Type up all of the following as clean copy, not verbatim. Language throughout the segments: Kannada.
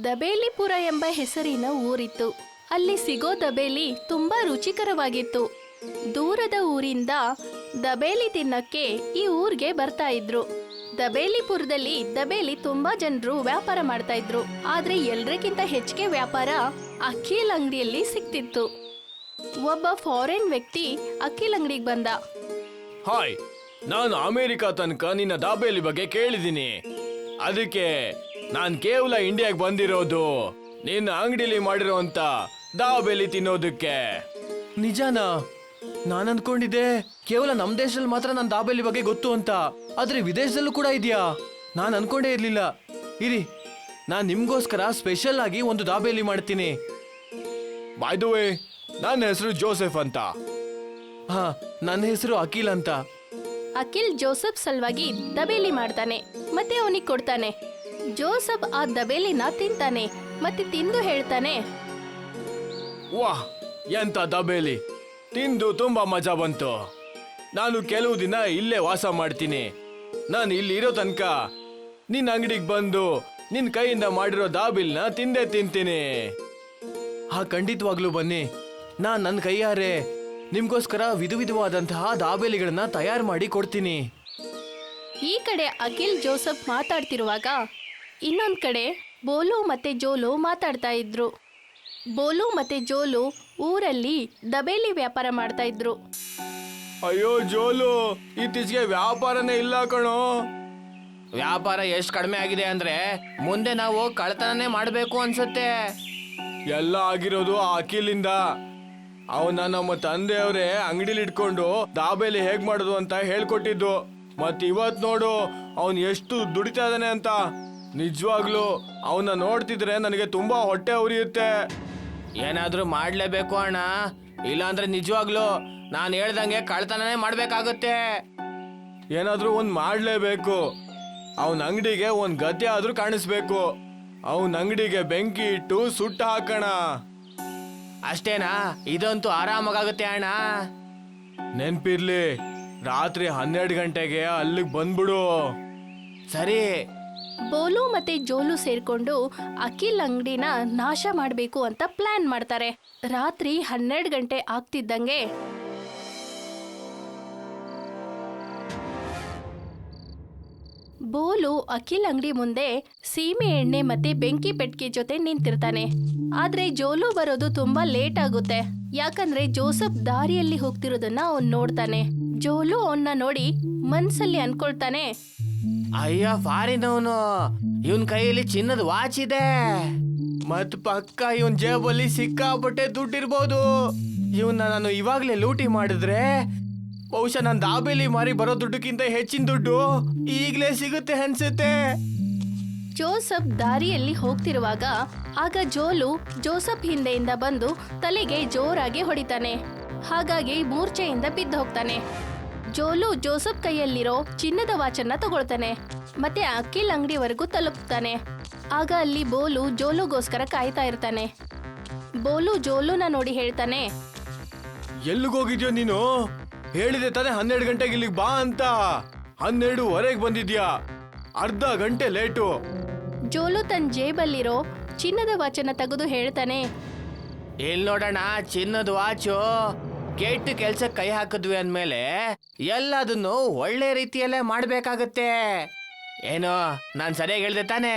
ದಬೇಲಿಪುರ ಎಂಬ ಹೆಸರಿನ ಊರಿತ್ತು. ಅಲ್ಲಿ ಸಿಗೋ ದಬೇಲಿ ತುಂಬಾ ರುಚಿಕರವಾಗಿತ್ತು. ದೂರದ ಊರಿಂದ ದಬೇಲಿ ತಿನ್ನಕ್ಕೆ ಈ ಊರಿಗೆ ಬರ್ತಾ ಇದ್ರು. ದಬೇಲಿಪುರದಲ್ಲಿ ದಬೇಲಿ ತುಂಬಾ ಜನರು ವ್ಯಾಪಾರ ಮಾಡ್ತಾ ಇದ್ರು. ಆದ್ರೆ ಎಲ್ರಿಗಿಂತ ಹೆಚ್ಚಿಗೆ ವ್ಯಾಪಾರ ಅಖಿಲ್ ಅಂಗಡಿಯಲ್ಲಿ ಸಿಕ್ತಿತ್ತು. ಒಬ್ಬ ಫಾರಿನ್ ವ್ಯಕ್ತಿ ಅಖಿಲ್ ಅಂಗಡಿಗೆ ಬಂದ. ಹಾಯ್, ನಾನು ಅಮೆರಿಕಾ ತನಕ ನಿನ್ನ ದಾಬೇಲಿ ಬಗ್ಗೆ ಕೇಳಿದ್ದೀನಿ. ಅದಕ್ಕೆ ನಾನ್ ಕೇವಲ ಇಂಡಿಯಾಗೆ ಬಂದಿರೋದು ನಿನ್ನ ಅಂಗಡಿಲಿ ಮಾಡಿರೋಂತ ದಾಬೇಲಿ ತಿನ್ನೋದಕ್ಕೆ. ನಿಜಾನಾ? ನಾನು ಅನ್ಕೊಂಡಿದ್ದೆ ಕೇವಲ ನಮ್ ದೇಶದಲ್ಲಿ ಮಾತ್ರ ನನ್ನ ದಾಬೇಲಿ ಬಗ್ಗೆ ಗೊತ್ತು ಅಂತ. ಆದ್ರೆ ವಿದೇಶದಲ್ಲೂ ಕೂಡ ಇದೆಯಾ? ನಾನು ಅನ್ಕೊಂಡೇ ಇರ್ಲಿಲ್ಲ. ಇರಿ, ನಾನ್ ನಿಮ್ಗೋಸ್ಕರ ಸ್ಪೆಷಲ್ ಆಗಿ ಒಂದು ದಾಬೇಲಿ ಮಾಡ್ತೀನಿ. ಬೈ ದ ವೇ, ನನ್ನ ಹೆಸರು ಜೋಸೆಫ್ ಅಂತ. ಹಾ, ನನ್ನ ಹೆಸರು ಅಖಿಲ್ ಅಂತ. ಅಖಿಲ್ ಜೋಸೆಫ್ ಸಲುವಾಗಿ ದಬೇಲಿ ಮಾಡ್ತಾನೆ ಮತ್ತೆ ಅವನಿಗೆ ಕೊಡ್ತಾನೆ. ಜೋಸೆಫ್ ಆ ದಬೇಲಿನ ತಿಂತಾನೆ ಮತ್ತೆ ತಿಂದು ಹೇಳ್ತಾನೆ, ವಾಹ್, ಎಂತ ದಬೇಲಿ! ತಿಂದು ತುಂಬಾ ಮಜಾ ಬಂತು. ನಾನು ಕೆಲವು ದಿನ ಇಲ್ಲೇ ವಾಸ ಮಾಡ್ತೀನಿ. ನಾನು ಇಲ್ಲಿ ಇರೋ ತನಕ ನಿನ್ನ ಅಂಗಡಿಗೆ ಬಂದು ನಿನ್ನ ಕೈಯಿಂದ ಮಾಡಿರೋ ದಾಬಿಲ್ನ ತಿಂದೇ ತಿಂತೀನಿ. ಹಾ, ಖಂಡಿತವಾಗ್ಲೂ ಬನ್ನಿ. ನಾನು ನನ್ನ ಕೈಯಾರೆ ನಿಮ್ಗೋಸ್ಕರ ವಿಧವಾದಂತಹ ದಾಬೇಲಿಗಳನ್ನ ತಯಾರು ಮಾಡಿ ಕೊಡ್ತೀನಿ. ಈ ಕಡೆ ಅಖಿಲ್ ಜೋಸೆಫ್ ಮಾತಾಡ್ತಿರುವಾಗ ಇನ್ನೊಂದ್ ಕಡೆ ಬೋಲು ಮತ್ತೆ ಜೋಲು ಮಾತಾಡ್ತಾ ಇದ್ರು. ಬೋಲು ಮತ್ತೆ ಜೋಲು ಊರಲ್ಲಿ ದಬೇಲಿ ವ್ಯಾಪಾರ ಮಾಡ್ತಾ ಇದ್ರು. ಅಯ್ಯೋ ಜೋಲು, ಇತ್ತೀಚೆಗೆ ವ್ಯಾಪಾರನೇ ಇಲ್ಲ ಕಣೋ. ವ್ಯಾಪಾರ ಎಷ್ಟು ಕಡಿಮೆ ಆಗಿದೆ ಅಂದ್ರೆ ಮುಂದೆ ನಾವು ಕಳ್ತನನೇ ಮಾಡಬೇಕು ಅನ್ಸುತ್ತೆ. ಎಲ್ಲ ಆಗಿರೋದು ಆ ಅಖಿಲಿಂದ. ಅವನ ನಮ್ಮ ತಂದೆಯವರೇ ಅಂಗಡಿಲಿ ಇಟ್ಕೊಂಡು ದಾಬೇಲಿ ಹೇಗ್ ಮಾಡೋದು ಅಂತ ಹೇಳ್ಕೊಟ್ಟಿದ್ದು. ಮತ್ ಇವತ್ ನೋಡು ಅವನ್ ಎಷ್ಟು ದುಡಿತಾ ಇದ್ದಾನೆ ಅಂತ. ನಿಜವಾಗ್ಲು ಅವನ್ನ ನೋಡ್ತಿದ್ರೆ ನನಗೆ ತುಂಬಾ ಹೊಟ್ಟೆ ಉರಿಯುತ್ತೆ. ಏನಾದ್ರೂ ಮಾಡ್ಲೇಬೇಕು ಅಣ್ಣ, ಇಲ್ಲಾಂದ್ರೆ ನಿಜವಾಗ್ಲು ನಾನು ಹೇಳ್ದಂಗೆ ಕಳ್ತನನೇ ಮಾಡ್ಬೇಕಾಗುತ್ತೆ. ಏನಾದ್ರೂ ಒಂದ್ ಮಾಡ್ಲೇಬೇಕು. ಅವನ ಅಂಗಡಿಗೆ ಒಂದ್ ಗದ್ದೆ ಆದ್ರೂ ಕಾಣಿಸ್ಬೇಕು. ಅವನ ಅಂಗಡಿಗೆ ಬೆಂಕಿ ಇಟ್ಟು ಸುಟ್ಟ ಹಾಕೋಣ. ಅಷ್ಟೇನಾ? ಇದಂತೂ ಆರಾಮಾಗುತ್ತೆ ಅಣ್ಣ. ನೆನ್ಪಿರ್ಲಿ, ರಾತ್ರಿ 12 ಗಂಟೆಗೆ ಅಲ್ಲಿಗೆ ಬಂದ್ಬಿಡು. ಸರಿ. ಬೋಲು ಮತ್ತೆ ಜೋಲು ಸೇರ್ಕೊಂಡು ಅಖಿಲ್ ಅಂಗಡಿನ ನಾಶ ಮಾಡಬೇಕು ಅಂತ ಪ್ಲಾನ್ ಮಾಡ್ತಾರೆ. ರಾತ್ರಿ 12 ಗಂಟೆ ಆಗ್ತಿದ್ದಂಗೆ ಬೋಲು ಅಖಿಲ್ ಅಂಗಡಿ ಮುಂದೆ ಸೀಮೆ ಎಣ್ಣೆ ಮತ್ತೆ ಬೆಂಕಿ ಪೆಟ್ಟಿಗೆ ಜೊತೆ ನಿಂತಿರ್ತಾನೆ. ಆದ್ರೆ ಜೋಲು ಬರೋದು ತುಂಬಾ ಲೇಟ್ ಆಗುತ್ತೆ. ಯಾಕಂದ್ರೆ ಜೋಸೆಫ್ ದಾರಿಯಲ್ಲಿ ಹೋಗ್ತಿರೋದನ್ನ ಅವನ್ ನೋಡ್ತಾನೆ. ಜೋಲು ಅವನ್ನ ನೋಡಿ ಮನ್ಸಲ್ಲಿ ಅನ್ಕೊಳ್ತಾನೆ, ಅಯ್ಯ ಫಾರಿನವನು, ಇವನ್ ಕೈಯಲ್ಲಿ ಚಿನ್ನದ ವಾಚ್ ಇದೆ. ಮತ್ ಪಕ್ಕ ಇವನ್ ಜೇಬಲ್ಲಿ ಸಿಕ್ಕಾಪಟ್ಟೆ ದುಡ್ಡಿರ್ಬೋದು. ಇವನ್ನ ನಾನು ಇವಾಗ್ಲೇ ಲೂಟಿ ಮಾಡಿದ್ರೆ ಬಹುಶಃ ನಾನು ದಾಬೇಲಿ ಮಾರಿ ಬರೋ ದುಡ್ಡಕ್ಕಿಂತ ಹೆಚ್ಚಿನ ದುಡ್ಡು ಈಗ್ಲೇ ಸಿಗುತ್ತೆ ಅನ್ಸುತ್ತೆ. ಜೋಸೆಫ್ ದಾರಿಯಲ್ಲಿ ಹೋಗ್ತಿರುವಾಗ ಆಗ ಜೋಲು ಜೋಸೆಫ್ ಹಿಂದೆಯಿಂದ ಬಂದು ತಲೆಗೆ ಜೋರಾಗಿ ಹೊಡಿತಾನೆ. ಹಾಗಾಗಿ ಮೂರ್ಛೆಯಿಂದ ಬಿದ್ದು ಹೋಗ್ತಾನೆ. ಜೋಲು ಜೋಸೆಫ್ ಕೈಯಲ್ಲಿರೋ ಚಿನ್ನದ ವಾಚನ್ನ ತಗೊಳ್ತಾನೆ ಮತ್ತೆ ಅಖಿಲ್ ಅಂಗಡಿವರೆಗೂ ತಲುಪ್ತಾನೆ. ಆಗ ಅಲ್ಲಿ ಬೋಲು ಜೋಲುಗೋಸ್ಕರ ಕಾಯ್ತಾ ಇರ್ತಾನೆ. ಬೋಲು ಜೋಲುನ ನೋಡಿ ಹೇಳ್ತಾನೆ, ಎಲ್ಲಿಗೋಗಿದ್ಯೋ ನೀನು? ಹೇಳಿದೆ ತಾನೆ 12 ಗಂಟೆಗೆ ಇಲ್ಲಿಗೆ ಬಾ ಅಂತ. 12:15 ಬಂದಿದ್ಯಾ, ಅರ್ಧ ಗಂಟೆ ಲೇಟು. ಜೋಲು ತನ್ನ ಜೇಬಲ್ಲಿರೋ ಚಿನ್ನದ ವಾಚನ್ನ ತೆಗೆದು ಹೇಳ್ತಾನೆ, ಎಲ್ಲಿ ನೋಡೋಣ ಚಿನ್ನದ ವಾಚು. ಕೆಟ್ಟ ಕೆಲ್ಸಕ್ಕೆ ಕೈ ಹಾಕಿದ್ವಿ ಅಂದ್ಮೇಲೆ ಎಲ್ಲದನ್ನು ಒಳ್ಳೆ ರೀತಿಯಲ್ಲೇ ಮಾಡ್ಬೇಕಾಗತ್ತೆ. ಏನೋ ನಾನ್ ಸರಿಯಾಗಿ ಹೇಳ್ದೆ ತಾನೆ?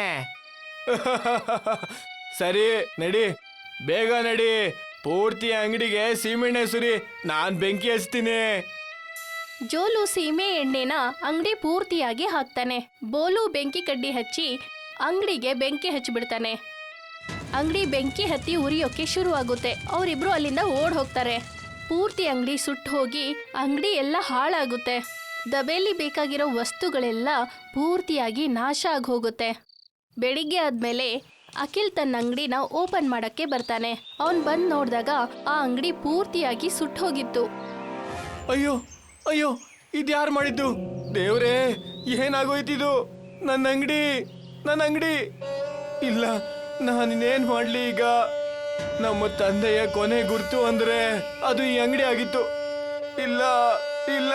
ಸರಿ ನಡಿ, ಬೇಗ ನಡಿ. ಪೂರ್ತಿ ಅಂಗಡಿಗೆ ಸೀಮೆಣ್ಣೆ ಸುರಿ, ನಾನ್ ಬೆಂಕಿ ಹಚ್ತೀನಿ. ಜೋಲು ಸೀಮೆ ಎಣ್ಣೆನ ಅಂಗಡಿ ಪೂರ್ತಿಯಾಗಿ ಹಾಕ್ತಾನೆ. ಬೋಲು ಬೆಂಕಿ ಕಡ್ಡಿ ಹಚ್ಚಿ ಅಂಗಡಿಗೆ ಬೆಂಕಿ ಹಚ್ಚಿಬಿಡ್ತಾನೆ. ಅಂಗಡಿ ಬೆಂಕಿ ಹತ್ತಿ ಉರಿಯೋಕೆ ಶುರು ಆಗುತ್ತೆ. ಅವರಿಬ್ರು ಅಲ್ಲಿಂದ ಓಡ್ ಹೋಗ್ತಾರೆ. ಪೂರ್ತಿ ಅಂಗಡಿ ಸುಟ್ಟು ಹೋಗಿ ಅಂಗಡಿ ಎಲ್ಲ ಹಾಳಾಗುತ್ತೆ. ದಬೇಲಿ ಬೇಕಾಗಿರೋ ವಸ್ತುಗಳೆಲ್ಲ ಪೂರ್ತಿಯಾಗಿ ನಾಶ ಆಗಿ ಹೋಗುತ್ತೆ. ಬೆಳಿಗ್ಗೆ ಆದ್ಮೇಲೆ ಅಖಿಲ್ ತನ್ನ ಅಂಗಡಿನ ಓಪನ್ ಮಾಡಕ್ಕೆ ಬರ್ತಾನೆ. ಅವನ್ ಬಂದ್ ನೋಡಿದಾಗ ಆ ಅಂಗಡಿ ಪೂರ್ತಿಯಾಗಿ ಸುಟ್ಟು ಹೋಗಿತ್ತು. ಅಯ್ಯೋ ಅಯ್ಯೋ, ಇದ್ಯಾರು ಮಾಡಿದ್ದು? ದೇವ್ರೇ, ಏನಾಗೋಯ್ತಿದು? ನನ್ನ ಅಂಗಡಿ ಇಲ್ಲ. ನಾನಿನ್ನೇನ್ ಮಾಡ್ಲಿ ಈಗ? ನಮ್ಮ ತಂದೆಯ ಕೊನೆ ಗುರ್ತು ಅಂದ್ರೆ ಅದು ಈ ಅಂಗಡಿ ಆಗಿತ್ತು. ಇಲ್ಲ ಇಲ್ಲ.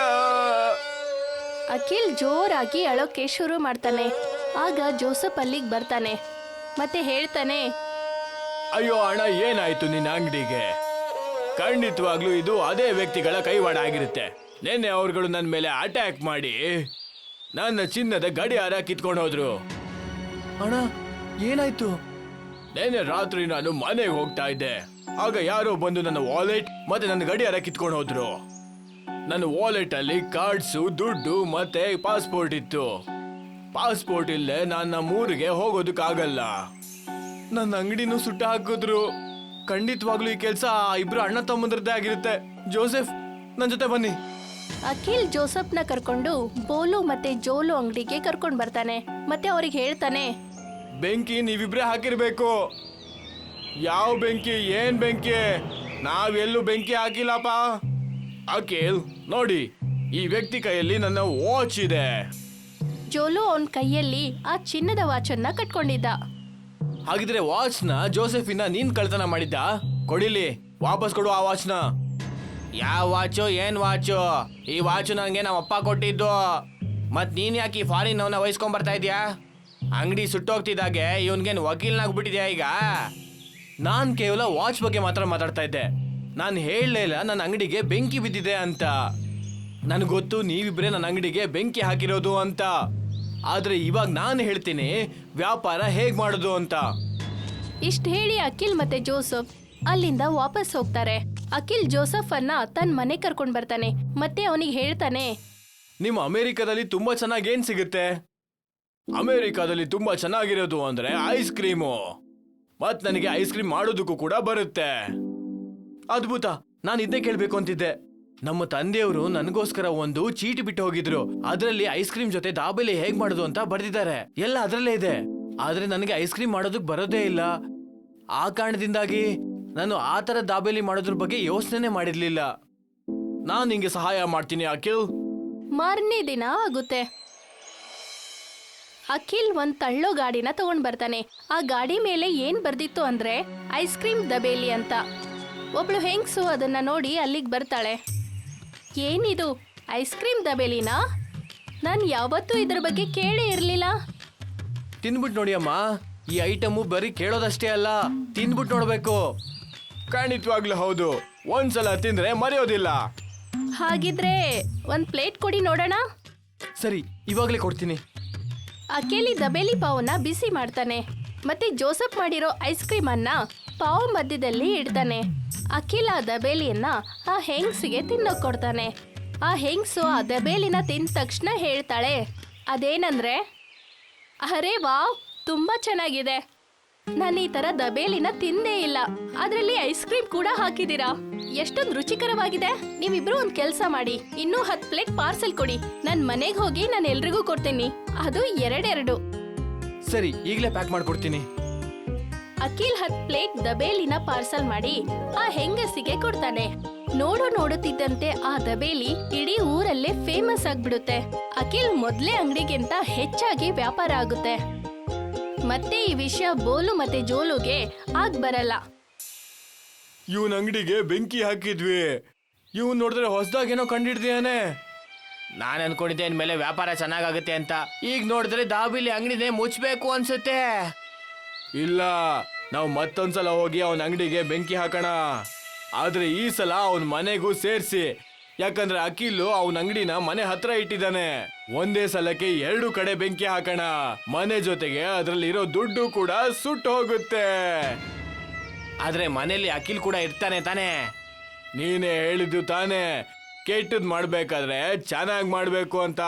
ಅಖಿಲ್ ಜೋರಾಗಿ ಅಳೋಕೆ ಶುರು ಮಾಡ್ತಾನೆ. ಆಗ ಜೋಸೆಫ್ ಅಲ್ಲಿಗೆ ಬರ್ತಾನೆ. ಮತ್ತೆ ಹೇಳ್ತಾನೆ, ಅಯ್ಯೋ ಅಣ್ಣ, ಏನಾಯ್ತು ನಿನ್ನ ಅಂಗಡಿಗೆ? ಖಂಡಿತವಾಗ್ಲೂ ಇದು ಅದೇ ವ್ಯಕ್ತಿಗಳ ಕೈವಾಡ ಆಗಿರುತ್ತೆ. ನಿನ್ನೆ ಅವ್ರುಗಳು ನನ್ನ ಮೇಲೆ ಅಟ್ಯಾಕ್ ಮಾಡಿ ನನ್ನ ಚಿನ್ನದ ಗಡಿಯಾರ ಕಿತ್ಕೊಂಡು ಹೋದ್ರು. ಅಣ್ಣ, ಏನಾಯ್ತು? ನಿನ್ನೆ ರಾತ್ರಿ ನಾನು ಮನೆಗೆ ಹೋಗ್ತಾ ಇದ್ದೆ. ಆಗ ಯಾರೋ ಬಂದು ನನ್ನ ವಾಲೆಟ್ ಮತ್ತೆ ನನ್ನ ಗಡಿಯಾರ ಕಿತ್ಕೊಂಡು ಹೋದ್ರು. ನನ್ನ ವಾಲೆಟ್ ಅಲ್ಲಿ ಕಾರ್ಡ್ಸು, ದುಡ್ಡು ಮತ್ತೆ ಪಾಸ್ಪೋರ್ಟ್ ಇತ್ತು. ಪಾಸ್ಪೋರ್ಟ್ ಇಲ್ಲದೆ ನಾನು ನಮ್ಮೂರಿಗೆ ಹೋಗೋದಕ್ಕಾಗಲ್ಲ. ನನ್ನ ಅಂಗಡಿನೂ ಸುಟ್ಟ ಹಾಕಿದ್ರು. ಖಂಡಿತವಾಗ್ಲೂ ಈ ಕೆಲಸ ಇಬ್ರು ಅಣ್ಣ ತಮ್ಮಂದ್ರದ್ದೇ ಆಗಿರುತ್ತೆ. ಜೋಸೆಫ್, ನನ್ನ ಜೊತೆ ಬನ್ನಿ. ಅಖಿಲ್ ಜೋಸಫ್ನ ಕರ್ಕೊಂಡು ಬೋಲು ಮತ್ತೆ ಜೋಲು ಅಂಗಡಿಗೆ ಕರ್ಕೊಂಡು ಬರ್ತಾನೆ. ಮತ್ತೆ ಅವ್ರಿಗೆ ಹೇಳ್ತಾನೆ, ಬೆಂಕಿ ನೀವಿಬ್ರೇ ಹಾಕಿರ್ಬೇಕು. ಯಾವ ಬೆಂಕಿ? ಏನ್ ಬೆಂಕಿ? ನಾವೆಲ್ಲೂ ಬೆಂಕಿ ಹಾಕಿಲ್ಲಪ್ಪ. ಅಖಿಲ್ ನೋಡಿ, ಈ ವ್ಯಕ್ತಿ ಕೈಯಲ್ಲಿ ನನ್ನ ವಾಚ್ ಇದೆ. ಜೋಲು ಅವನ ಕೈಯಲ್ಲಿ ಆ ಚಿನ್ನದ ವಾಚನ್ನ ಕಟ್ಕೊಂಡಿದ್ದ. ಹಾಗಿದ್ರೆ ವಾಚ್ನ ಜೋಸೆಫಿನ ನೀನ್ ಕಳ್ತನ ಮಾಡಿದ್ದ? ಕೊಡಿಲಿ, ವಾಪಸ್ ಕೊಡು ಆ ವಾಚ್ನ. ಯಾವ ವಾಚು? ಏನ್ ವಾಚು? ಈ ವಾಚು ನನಗೆ ನಮ್ಮ ಅಪ್ಪ ಕೊಟ್ಟಿದ್ದು. ಮತ್ ನೀನ್ ಯಾಕೆ ಈ ಫಾರಿನ್ ಅವನ್ನ ವಹಿಸ್ಕೊಂಡ್ ಬರ್ತಾ ಇದೀಯಾ? ಅಂಗಡಿ ಸುಟ್ಟೋಗ್ತಿದ್ದಾಗೆ ಇವನ್ಗೇನು ವಕೀಲ್ನಾಗ್ಬಿಟ್ಟಿದ್ಯಾ ಈಗ? ನಾನ್ ಕೇವಲ ವಾಚ್ ಬಗ್ಗೆ ಮಾತ್ರ ಮಾತಾಡ್ತಾ ಇದ್ದೆ. ನಾನು ಹೇಳಲೇ ಇಲ್ಲ ನನ್ನ ಅಂಗಡಿಗೆ ಬೆಂಕಿ ಬಿದ್ದಿದೆ ಅಂತ. ನನಗೆ ಗೊತ್ತು ನೀವಿಬ್ರೇ ನನ್ನ ಅಂಗಡಿಗೆ ಬೆಂಕಿ ಹಾಕಿರೋದು ಅಂತ. ಆದ್ರೆ ಇವಾಗ ನಾನು ಹೇಳ್ತೀನಿ ವ್ಯಾಪಾರ ಹೇಗ್ ಮಾಡೋದು ಅಂತ. ಇಷ್ಟ ಹೇಳಿ ಅಖಿಲ್ ಮತ್ತೆ ಜೋಸಫ್ ಅಲ್ಲಿಂದ ವಾಪಸ್ ಹೋಗ್ತಾರೆ. ಅಖಿಲ್ ಜೋಸಫ್ ಅನ್ನ ತನ್ನ ಮನೆ ಕರ್ಕೊಂಡ್ ಬರ್ತಾನೆ. ಮತ್ತೆ ಅವನಿಗೆ ಹೇಳ್ತಾನೆ, ನಿಮ್ಮ ಅಮೆರಿಕದಲ್ಲಿ ತುಂಬಾ ಚೆನ್ನಾಗಿ ಏನ್ ಸಿಗುತ್ತೆ? ಅಮೆರಿಕಾದಲ್ಲಿ ತುಂಬಾ ಚೆನ್ನಾಗಿರೋದು ಅಂದ್ರೆ ಐಸ್ ಕ್ರೀಮು. ಮತ್ ನನಗೆ ಐಸ್ ಕ್ರೀಮ್ ಮಾಡೋದಕ್ಕೂ ಕೂಡ ಬರುತ್ತೆ. ಅದ್ಭುತ, ನಾನು ಇದನ್ನೇ ಕೇಳ್ಬೇಕು ಅಂತಿದ್ದೆ. ನಮ್ಮ ತಂದೆಯವರು ನನಗೋಸ್ಕರ ಒಂದು ಚೀಟಿ ಬಿಟ್ಟು ಹೋಗಿದ್ರು. ಅದರಲ್ಲಿ ಐಸ್ ಕ್ರೀಮ್ ಜೊತೆ ದಾಬೇಲಿ ಹೇಗ್ ಮಾಡೋದು ಅಂತ ಬರ್ದಿದ್ದಾರೆ. ಎಲ್ಲ ಅದರಲ್ಲೇ ಇದೆ. ಆದ್ರೆ ನನಗೆ ಐಸ್ ಕ್ರೀಮ್ ಮಾಡೋದಕ್ ಬರೋದೇ ಇಲ್ಲ. ಆ ಕಾರಣದಿಂದಾಗಿ ನಾನು ಆ ತರ ದಾಬೇಲಿ ಮಾಡೋದ್ರ ಬಗ್ಗೆ ಯೋಚನೆ ಮಾಡಿರ್ಲಿಲ್ಲ. ನಾನು ನಿಂಗೆ ಸಹಾಯ ಮಾಡ್ತೀನಿ ಅಖಿಲ್. ಮಾರನೇ ದಿನ ಆಗುತ್ತೆ. ಅಖಿಲ್ ಒಂದ್ ತಳ್ಳೋ ಗಾಡಿನ ತಗೊಂಡ್ ಬರ್ತಾನೆ. ಆ ಗಾಡಿ ಮೇಲೆ ಏನ್ ಬರ್ದಿತ್ತು ಅಂದ್ರೆ ಐಸ್ ಕ್ರೀಮ್ ದಬೇಲಿ ಅಂತ. ಒಬ್ಳು ಹೆಂಗ್ಸು ಅದನ್ನ ನೋಡಿ ಅಲ್ಲಿಗೆ ಬರ್ತಾಳೆ. ಏನಿದು ಐಸ್ ಕ್ರೀಮ್ ದಬೇಲಿನಾ? ನಾನು ಯಾವತ್ತೂ ಇದ್ರ ಬಗ್ಗೆ ಕೇಳೇ ಇರ್ಲಿಲ್ಲ. ತಿಂದ್ಬಿಟ್ಟು ನೋಡಿ ಅಮ್ಮ, ಈ ಐಟಮು ಬರೀ ಕೇಳೋದಷ್ಟೇ ಅಲ್ಲ, ತಿಂದ್ಬಿಟ್ಟು ನೋಡ್ಬೇಕು. ಖಂಡಿತವಾಗ್ಲೂ ಹೌದು, ಒಂದ್ಸಲ ತಿಂದ್ರೆ ಮರೆಯೋದಿಲ್ಲ. ಹಾಗಿದ್ರೆ ಒಂದ್ ಪ್ಲೇಟ್ ಕೊಡಿ ನೋಡೋಣ. ಸರಿ, ಇವಾಗ್ಲೇ ಕೊಡ್ತೀನಿ. ಅಖಿಲ್ ದಬೇಲಿ ಪಾವ್ನ ಬಿಸಿ ಮಾಡ್ತಾನೆ. ಮತ್ತೆ ಜೋಸಫ್ ಮಾಡಿರೋ ಐಸ್ ಕ್ರೀಮ್ ಅನ್ನ ಪಾವ್ ಮಧ್ಯದಲ್ಲಿ ಇಡ್ತಾನೆ. ಅಖಿಲ್ ಆ ದಬೇಲಿಯನ್ನ ಆ ಹೆಂಗ್ಸಿಗೆ ತಿನ್ನೋಕ್ ಕೊಡ್ತಾನೆ. ಆ ಹೆಂಗ್ಸು ಆ ದಬೇಲಿನ ತಿಂದ ತಕ್ಷಣ ಹೇಳ್ತಾಳೆ, ಅದೇನಂದ್ರೆ, ಅರೇ ವಾವ್, ತುಂಬಾ ಚೆನ್ನಾಗಿದೆ. ನಾನು ಈ ತರ ದಬೇಲಿನ ತಿಂದೇ ಇಲ್ಲ. ಅದ್ರಲ್ಲಿ ಐಸ್ ಕ್ರೀಮ್ ಕೂಡ ಹಾಕಿದೀರಾ. ಎಷ್ಟೊಂದು ರುಚಿಕರವಾಗಿದೆ. ನೀವಿಬ್ರು ಒಂದ್ ಕೆಲ್ಸ ಮಾಡಿ, ಇನ್ನೂ 10 ಪ್ಲೇಟ್ ಪಾರ್ಸೆಲ್ ಕೊಡಿ. ನನ್ ಮನೆಗೆ ಹೋಗಿ ನಾನು ಎಲ್ರಿಗೂ ಕೊಡ್ತೀನಿ. ಅದು 2 ಸರಿ, ಈಗಲೇ ಪ್ಯಾಕ್ ಮಾಡ್ಕೊಡ್ತೀನಿ. ಅಖಿಲ್ 10 ಪ್ಲೇಟ್ ದಬೇಲಿನ ಪಾರ್ಸಲ್ ಮಾಡಿ ಆ ಹೆಂಗಸಿಗೆ ಕೊಡ್ತಾನೆ. ನೋಡುತ್ತಿದ್ದಂತೆ ಆ ದಬೇಲಿ ಇಡೀ ಊರಲ್ಲೇ ಫೇಮಸ್ ಆಗ್ಬಿಡುತ್ತೆ. ಅಖಿಲ್ ಮೊದ್ಲೇ ಅಂಗಡಿಗಿಂತ ಹೆಚ್ಚಾಗಿ ವ್ಯಾಪಾರ ಆಗುತ್ತೆ. ಮತ್ತೆ ಈ ವಿಷಯ ಬೋಲು ಮತ್ತೆ ಜೋಲುಗೆ ಆಗ್ ಬರಲ್ಲ. ಇವನ್ ಅಂಗಡಿಗೆ ಬೆಂಕಿ ಹಾಕಿದ್ವಿ. ಇವನ್ ನೋಡಿದ್ರೆ ಹೊಸದಾಗೇನೋ ಕಂಡಿಡ್ದಿಯಾನೆ. ನಾನು ಅನ್ಕೊಂಡಿದ್ದೆ ಇನ್ಮೇಲೆ ವ್ಯಾಪಾರ ಚೆನ್ನಾಗಾಗುತ್ತೆ ಅಂತ. ಈಗ ನೋಡಿದ್ರೆ ದಾಬಿಲಿ ಅಂಗಡಿನೇ ಮುಚ್ಚಬೇಕು ಅನ್ಸುತ್ತೆ. ಇಲ್ಲ, ನಾವು ಮತ್ತೊಂದ್ಸಲ ಹೋಗಿ ಅವನ ಅಂಗಡಿಗೆ ಬೆಂಕಿ ಹಾಕೋಣ. ಆದ್ರೆ ಈ ಸಲ ಅವನ ಮನೆಗೂ ಸೇರಿಸಿ. ಯಾಕಂದ್ರೆ ಅಖಿಲ್ ಅವನ ಅಂಗಡಿನ ಮನೆ ಹತ್ರ ಇಟ್ಟಿದ್ದಾನೆ. ಒಂದೇ ಸಲಕ್ಕೆ 2 ಕಡೆ ಬೆಂಕಿ ಹಾಕೋಣ. ಮನೆ ಜೊತೆಗೆ ಅದರಲ್ಲಿರೋ ದುಡ್ಡು ಕೂಡ ಸುಟ್ಟು ಹೋಗುತ್ತೆ. ಆದ್ರೆ ಮನೆಯಲ್ಲಿ ಅಖಿಲ್ ಕೂಡ ಇರ್ತಾನೆ ತಾನೆ? ನೀನೇ ಹೇಳಿದ್ದು ತಾನೆ, ಕೆಟ್ಟದ್ ಮಾಡ್ಬೇಕಾದ್ರೆ ಚೆನ್ನಾಗಿ ಮಾಡ್ಬೇಕು ಅಂತ.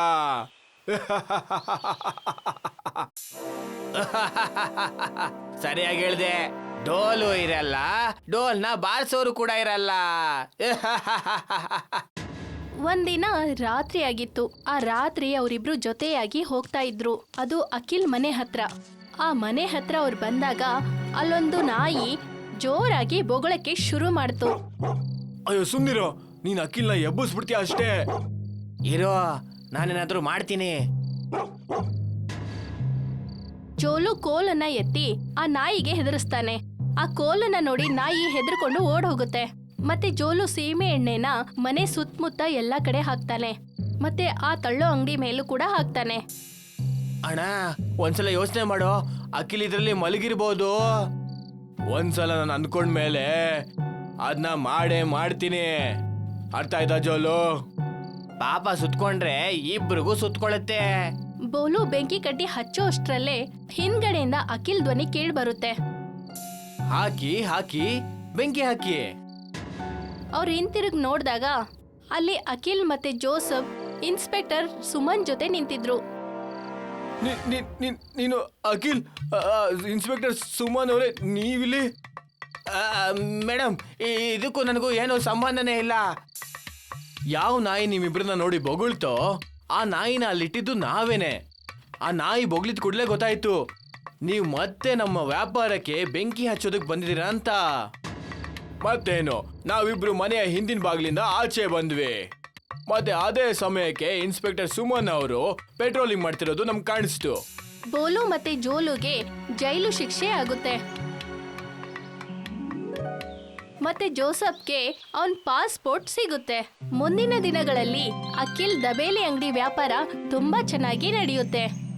ಸರಿಯಾಗಿ ಹೇಳ್ದೆ. ಡೋಲು ಇರಲ್ಲ, ಡೋಲ್ನ ಬಾರಿಸೋರು ಕೂಡ ಇರಲ್ಲ. ಒಂದಿನ ರಾತ್ರಿ ಆಗಿತ್ತು. ಆ ರಾತ್ರಿ ಅವರಿಬ್ರು ಜೊತೆಯಾಗಿ ಹೋಗ್ತಾ ಇದ್ರು. ಅದು ಅಖಿಲ್ ಮನೆ ಹತ್ರ. ಆ ಮನೆ ಹತ್ರ ಅವ್ರು ಬಂದಾಗ ಅಲ್ಲೊಂದು ನಾಯಿ ಜೋರಾಗಿ ಬೊಗಳಕ್ಕೆ ಶುರು ಮಾಡ್ತು. ಅಯ್ಯೋ ಸುಮ್ನಿರೋ, ನೀನ್ ಅಖಿಲ್ನ ಎಬ್ಬಿಸ್ಬಿಡ್ತೀಯ ಅಷ್ಟೇ. ಇರೋ, ನಾನೇನಾದ್ರೂ ಮಾಡ್ತೀನಿ. ಜೋಲು ಕೋಲನ್ನ ಎತ್ತಿ ಆ ನಾಯಿಗೆ ಹೆದರಿಸ್ತಾನೆ. ಆ ಕೋಲನ್ನ ನೋಡಿ ನಾಯಿ ಹೆದರ್ಕೊಂಡು ಓಡ್ ಹೋಗುತ್ತೆ. ಮತ್ತೆ ಜೋಲು ಸೀಮೆ ಎಣ್ಣೆನ ಮನೆ ಸುತ್ತಮುತ್ತ ಎಲ್ಲಾ ಕಡೆ ಹಾಕ್ತಾನೆ. ಮತ್ತೆ ಆ ತಳ್ಳೋ ಅಂಗಡಿ ಮೇಲೂ ಕೂಡ ಹಾಕ್ತಾನೆ. ಅಣ್ಣ, ಒಂದ್ಸಲ ಯೋಚನೆ ಮಾಡೋ, ಅಖಿಲ್ ಇದ್ರಲ್ಲಿ ಮಲಗಿರ್ಬೋದು. ಒಂದ್ಸಲ ನಾನು ಅಂದ್ಕೊಂಡ್ಮೇಲೆ ಅದನ್ನ ಮಾಡ್ತೀನಿ. ಅರ್ಥ ಆಯ್ತಾ ಜೋಲು? ಪಾಪ ಸುತ್ಕೊಂಡ್ರೆ ಇಬ್ರಿಗೂ ಸುತ್ಕೊಳತ್ತೆ. ಬೋಲು ಬೆಂಕಿ ಕಡ್ಡಿ ಹಚ್ಚೋ ಅಷ್ಟ್ರಲ್ಲೇ ಹಿಂದ್ಗಡೆಯಿಂದ ಅಖಿಲ್ ಧ್ವನಿ ಕೇಳಿ ಬರುತ್ತೆ. ಹಾಕಿ ಹಾಕಿ ಬೆಂಕಿ ಹಾಕಿ. ಅವ್ರು ಹಿಂತಿರುಗಿ ನೋಡಿದಾಗ ಅಲ್ಲಿ ಅಖಿಲ್ ಮತ್ತೆ ಜೋಸಫ್ ಇನ್ಸ್ಪೆಕ್ಟರ್ ಸುಮನ್ ಜೊತೆ ನಿಂತಿದ್ರು. ನೀನು ಅಖಿಲ್, ಇನ್ಸ್ಪೆಕ್ಟರ್ ಸುಮನ್ ಅವರೇ, ನೀವಿಲ್ಲಿ? ಮೇಡಮ್, ಇದಕ್ಕೂ ನನಗೂ ಏನೋ ಸಂಬಂಧನೇ ಇಲ್ಲ. ಯಾವ ನಾಯಿ ನಿಮ್ಮಿಬ್ರನ್ನ ನೋಡಿ ಬೊಗಳ್ತೋ ಆ ನಾಯಿನ ಅಲ್ಲಿಟ್ಟಿದ್ದು ನಾವೇನೆ. ಆ ನಾಯಿ ಬೊಗಳಿದ್ ಕೂಡಲೇ ಗೊತ್ತಾಯ್ತು ನೀವು ಮತ್ತೆ ನಮ್ಮ ವ್ಯಾಪಾರಕ್ಕೆ ಬೆಂಕಿ ಹಚ್ಚೋದಕ್ಕೆ ಬಂದಿದ್ದೀರಾ ಅಂತ. ಮತ್ತೇನು, ನಾವಿಬ್ರು ಮನೆಯ ಹಿಂದಿನ ಬಾಗಿಲಿಂದ ಆಚೆ ಬಂದ್ವಿ. ಮತ್ತೆ ಅದೇ ಸಮಯಕ್ಕೆ ಇನ್ಸ್ಪೆಕ್ಟರ್ ಸುಮನ್ ಅವರು ಪೆಟ್ರೋಲಿಂಗ್ ಮಾಡ್ತಿರೋದು ನಮ್ಗೆ ಕಾಣಿಸ್ತು. ಬೋಲು ಮತ್ತೆ ಜೋಲುಗೆ ಜೈಲು ಶಿಕ್ಷೆ ಆಗುತ್ತೆ. ಮತ್ತೆ ಜೋಸಫ್ಗೆ ಅವನ್ ಪಾಸ್ಪೋರ್ಟ್ ಸಿಗುತ್ತೆ. ಮುಂದಿನ ದಿನಗಳಲ್ಲಿ ಅಖಿಲ್ ದಬೇಲಿ ಅಂಗಡಿ ವ್ಯಾಪಾರ ತುಂಬಾ ಚೆನ್ನಾಗಿ ನಡೆಯುತ್ತೆ.